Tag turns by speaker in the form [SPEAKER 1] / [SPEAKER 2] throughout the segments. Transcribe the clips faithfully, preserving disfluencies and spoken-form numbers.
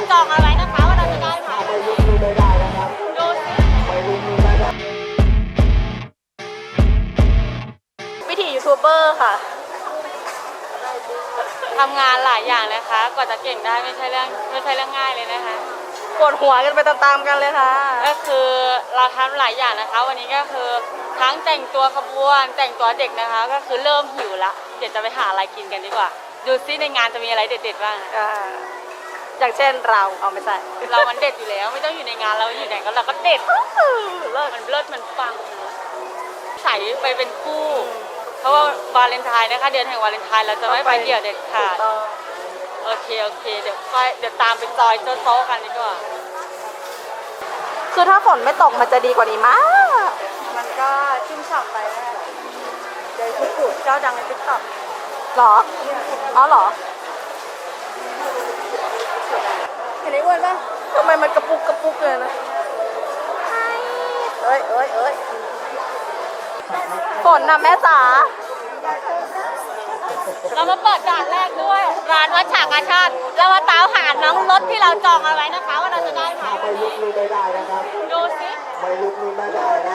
[SPEAKER 1] จองเอาไว้นะคะว่าเราจะได้ไหมดูสิวิถียูทูบเบอร์ค่ะทำงานหลายอย่างนะคะกว่าจะเก่งได้ไม่ใช่เรื่องไม่ใช่เรื่องง่ายเลยนะคะ
[SPEAKER 2] ปวดหัวกันไปตามๆกันเลยค่ะ
[SPEAKER 1] ก็คือเราทำหลายอย่างนะคะวันนี้ก็คือทั้งแต่งตัวขบวนแต่งตัวเด็กนะคะก็คือเริ่มหิวละเดี๋ยวจะไปหาอะไรกินกันดีกว่าดูซิในงานจะมีอะไรเด็ดๆบ้าง
[SPEAKER 2] อย่างเช่นเราเอาไม่ใช่
[SPEAKER 1] เรามันเด็ดอยู่แล้วไม่ต้องอยู่ในงานเราอยู่ไหนก็เราก็เด็ดเลิศมันเลิศมันปังใส่ไปเป็นคู่เพราะว่าวาเลนไทน์นะคะเดือนแห่งวาเลนไทน์เราจะไม่ไปเดี่ยวเด็ดขาดโอเคโอเคเดี๋ยวค่อยเดี๋ยวตามไปจอยโต๊ะกันดีกว่า
[SPEAKER 2] คือถ้าฝนไม่ตกมันจะดีกว่านี้มาก
[SPEAKER 1] มันก็ชุ่มฉ่ำไปแล้วเดี๋ยวคุกุเจ้าดังในติ๊กต็อก
[SPEAKER 2] หรออ๋อหรอเห็นไอ้อ้วนป่ะทำไมมันกระปุกกระปุกเลยนะเอ้ยเอ้ยเอ้ยฝนน่ะแม่จ๋า
[SPEAKER 1] เรามาเปิดด่านแรกด้วยร้านวัดฉากาชาติเรามาตามหาน้องรถที่เราจองเอาไว้นะคะว่าเราจะได้ไหม
[SPEAKER 3] ไม่ลุกนี่ไม่ได้นะครับ
[SPEAKER 1] ดูสิ
[SPEAKER 3] ไม่ลุกนี่ไม่ได้นะ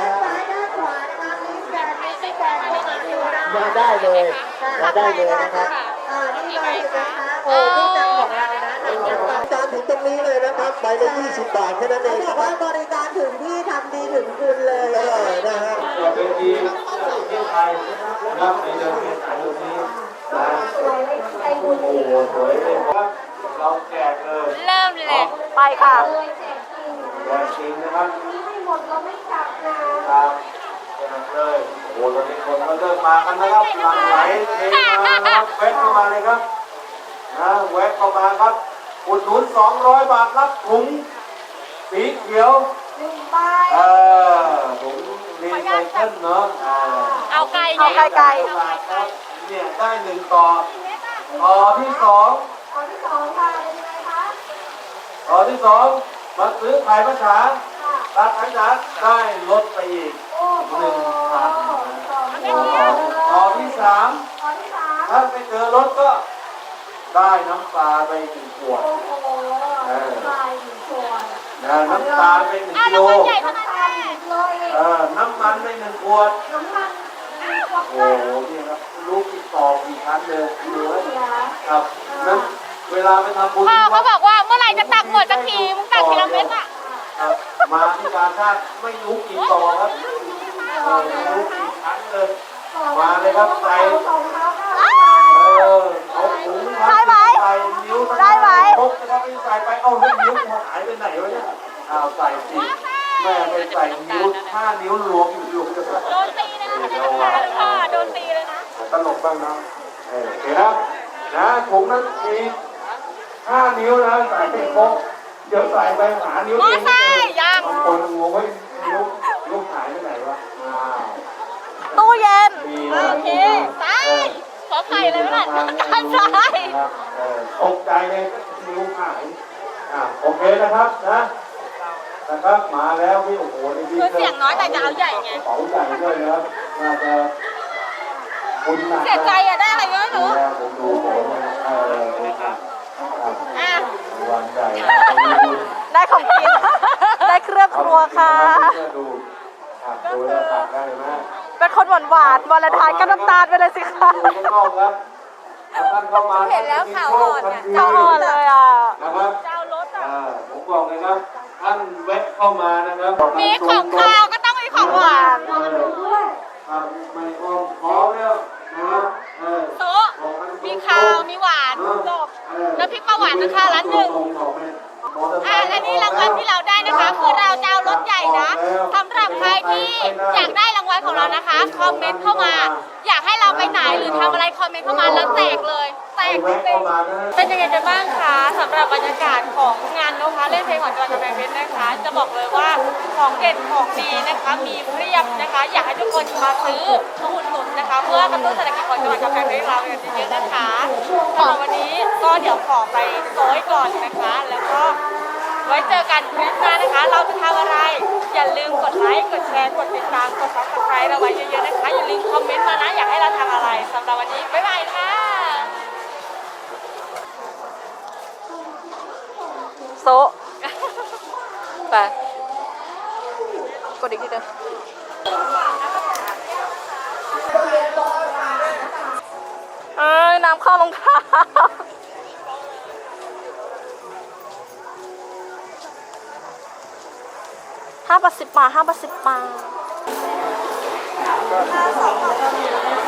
[SPEAKER 3] มาได้เลยมาได้เลยนะครับ
[SPEAKER 1] นี่ไงคะ
[SPEAKER 3] โอ้ที่จังของเรานะจานถึงตรงนี้เลยนะครับใบละยี่สิบบาทแค่นั้นเองบอกว่าบริการถึงที่ทำดีถึงคุณเลยนะฮะ
[SPEAKER 4] เป็นดีเที่ยวไทยนะครับในเดือนเมษายนนี้นะโอ้โหสวยเลยครับเราแจกเลย
[SPEAKER 1] เริ่มเลย
[SPEAKER 2] ไปค่ะ
[SPEAKER 4] แจกจริงนะครับให้หมดเราไม่จับนะครับแจกเลยโอ้โหตอนนี้คนก็เริ่มมากันนะครับหลั่งไหลเทมานะครับแวะเข้ามาเลยครับนะแวะเข้ามาครับอุดหนุนสองร้อยบาทรับถุงสีเขียวเออถุงรีไซเคิลเนาะ
[SPEAKER 1] เอาไก่
[SPEAKER 2] เอาไก่ไก่
[SPEAKER 4] เนี่ยได้หนึ่งต่อต่อที่สอง
[SPEAKER 3] ต่อที่สองค่ะเป็นไงคะ
[SPEAKER 4] ต่อที่สองมาซื้อไข่มะฉาตัดไข่จ๋าได้ลดไปอีกหนึ่งพันต่อที่สามถ้าไปเจอรถก็ได้น้ำปลาไปหนึ่งขวดน้ำตาลไปหนึ่งกิโลเออน้ำมันไปหนึ่งขวดโอ้โหนี่ครับลูกติดต่อกี่ครั้งเลยดูไว้ครับนั้นเวลาไปทำบุญ
[SPEAKER 1] พ่อเขาบอกว่าเมื่อไหร่จะตักหมดสักทีมึงตักทีละเม็ดอ่ะ
[SPEAKER 4] มาที่การชาติไม่รู้กี่ต่อครับไม่รู้กี่ครั้งเลยมาเลยครับใส่เออเอาถุงใส่นิ้วได้ไหมพกนะครับไปใส่ไปเอาให้นิ้วหายไปไหนวะเนี่ยเอาใส่สิแม่ไปใส่นิ้วห้านิ้วรวมอยู่อยู่
[SPEAKER 1] โดนตีนะคะพ่อโดนตีเลยนะ
[SPEAKER 4] ตลกบ้างนะเออเห็นนะนะถุงนั้นมีห้านิ้วนะใส่ไปพกเดี๋ยวใส่ไปหานิ้วเอง
[SPEAKER 1] ยัง
[SPEAKER 4] บางคนงงว่านิ้วนิ้วหายไปไหนวะ
[SPEAKER 2] ตู้เย็น
[SPEAKER 1] โอเคใช่ขอไข่เลยนะใช่
[SPEAKER 4] ตกใจเลยนิ้วหายอ่าโอเคนะครับนะนะครับมาแล้วพี่โอ้โหนี่พี่
[SPEAKER 1] คือเสียงน้อยแต่จะเอาใหญ่ไง
[SPEAKER 4] เป๋าใหญ่ด้วยนะครับน่าจะคุณหนัก
[SPEAKER 1] เสียใจอะได้อะไรเยอะหนู
[SPEAKER 4] ผมดูผมเออคุณหนัก
[SPEAKER 1] อ่ะ
[SPEAKER 4] วันใหญ่
[SPEAKER 2] ได้ของกินได้เครื่องครัวค่ะ
[SPEAKER 4] ดูดูแล้วตัดได้ไหม
[SPEAKER 2] เป็นคนหวานหวานวาเลนไทน์ก็น้ำตาลไปเลยสิคะ
[SPEAKER 4] เห็
[SPEAKER 1] นแล้วข่าวอ่อนเนี่ย
[SPEAKER 2] ข่าวอ่อนเลยอ่ะ
[SPEAKER 4] นะครับ
[SPEAKER 1] เจ้ารถอ่ะ
[SPEAKER 4] ผมบอกเลยครับท่านแวะเข้ามานะครับ
[SPEAKER 1] มีของข้าวก็ต้องมีของหวาน
[SPEAKER 4] ครับไม่อ้อมขอแล้วนะครับ
[SPEAKER 1] โต๊ะมีข้าวมีหวานจบแล้วพริกปลาหวานกับข้าวร้านหนึ่งอ่ะและนี่รางวัลที่เราได้นะคะคือเราจะเอารถใหญ่นะสำหรับใครที่อยากได้รางวัลของเรานะคะคอมเมนต์เข้ามาอยากให้เราไปไหนหรือทำอะไรคอมเมนต์เข้ามาแล้วแจกเลยแจกจริงๆเป็นยังไงกันบ้างคะสำหรับบรรยากาศของงานนะคะเล่นเพลงของจังหวัดกำแพงเพชรนะคะจะบอกเลยว่าของเด็ดของดีนะคะมีเพียบนะคะอยากให้ทุกคนมาซื้อมาอุดหนุนนะคะเพื่อกระตุ้นเศรษฐกิจของจังหวัดกำแพงเพชรเราอย่างเยอะๆนะคะสำหรับวันนี้ก็เดี๋ยวขอไปโซ่ก่อนนะคะแล้วก็ไว้เจอกันคลิปหน้านะคะเราจะทำอะไรอย่าลืมกดไลค์กดแชร์กดติดตามกดซับสไครต์เราไว้เยอะๆนะคะอย่าลืมคอมเมนต์มานะอยากให้เราทำอะไรสำหรับวันนี้บ๊ายบายค่ะ
[SPEAKER 2] โซะไปกดอีกทีหนึงเอ้ยน้ำเข้ารองเท้าห้าบาทสิบบาทห้าบาทสิบบาท